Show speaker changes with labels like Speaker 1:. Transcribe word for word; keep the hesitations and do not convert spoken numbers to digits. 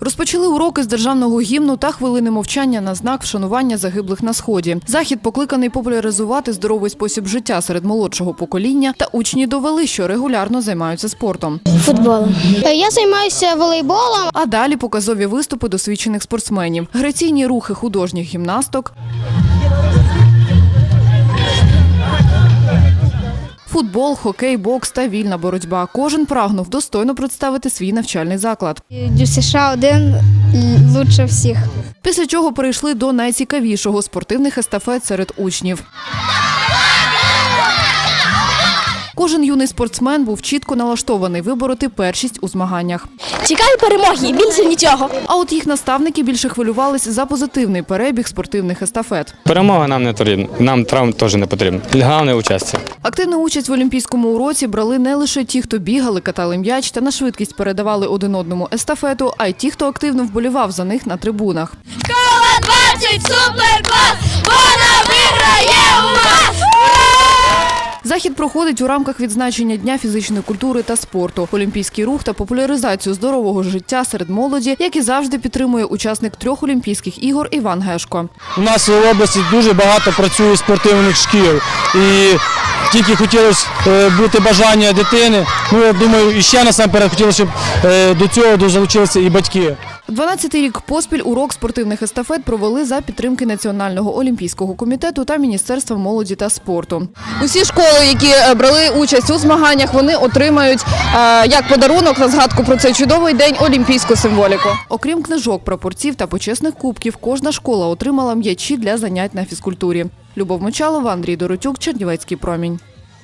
Speaker 1: Розпочали уроки з державного гімну та хвилини мовчання на знак вшанування загиблих на Сході. Захід покликаний популяризувати здоровий спосіб життя серед молодшого покоління, та учні довели, що регулярно займаються спортом.
Speaker 2: Футболом. Я займаюся волейболом.
Speaker 1: А далі показові виступи досвідчених спортсменів, граційні рухи художніх гімнасток, футбол, хокей, бокс та вільна боротьба. Кожен прагнув достойно представити свій навчальний заклад.
Speaker 2: Дю США один лучше всіх.
Speaker 1: Після чого перейшли до найцікавішого – спортивних естафет серед учнів. Кожен юний спортсмен був чітко налаштований вибороти першість у змаганнях.
Speaker 2: Цікаві перемоги, більше нічого.
Speaker 1: А от їх наставники більше хвилювались за позитивний перебіг спортивних естафет.
Speaker 3: Перемога нам не потрібна, нам травм теж не потрібно. Головне – участь.
Speaker 1: Активну участь в олімпійському уроці брали не лише ті, хто бігали, катали м'яч та на швидкість передавали один одному естафету, а й ті, хто активно вболівав за них на трибунах.
Speaker 4: Школа двадцять суперклас, вона виграє у вас!
Speaker 1: Захід проходить у рамках відзначення Дня фізичної культури та спорту. Олімпійський рух та популяризацію здорового життя серед молоді, як і завжди, підтримує учасник трьох Олімпійських ігор Іван Гешко.
Speaker 5: У нас в області дуже багато працює спортивних шкіл. І тільки хотілося бути бажання дитини. Ну, я думаю, і ще насамперед хотілося, щоб до цього залучилися і батьки.
Speaker 1: дванадцятий рік поспіль урок спортивних естафет провели за підтримки Національного олімпійського комітету та Міністерства молоді та спорту. Усі школи, які брали участь у змаганнях, вони отримають як подарунок на згадку про цей чудовий день олімпійську символіку. Окрім книжок, прапорців та почесних кубків, кожна школа отримала м'ячі для занять на фізкультурі. Любов Мочалова, Андрій Доротюк, Чернівецький промінь.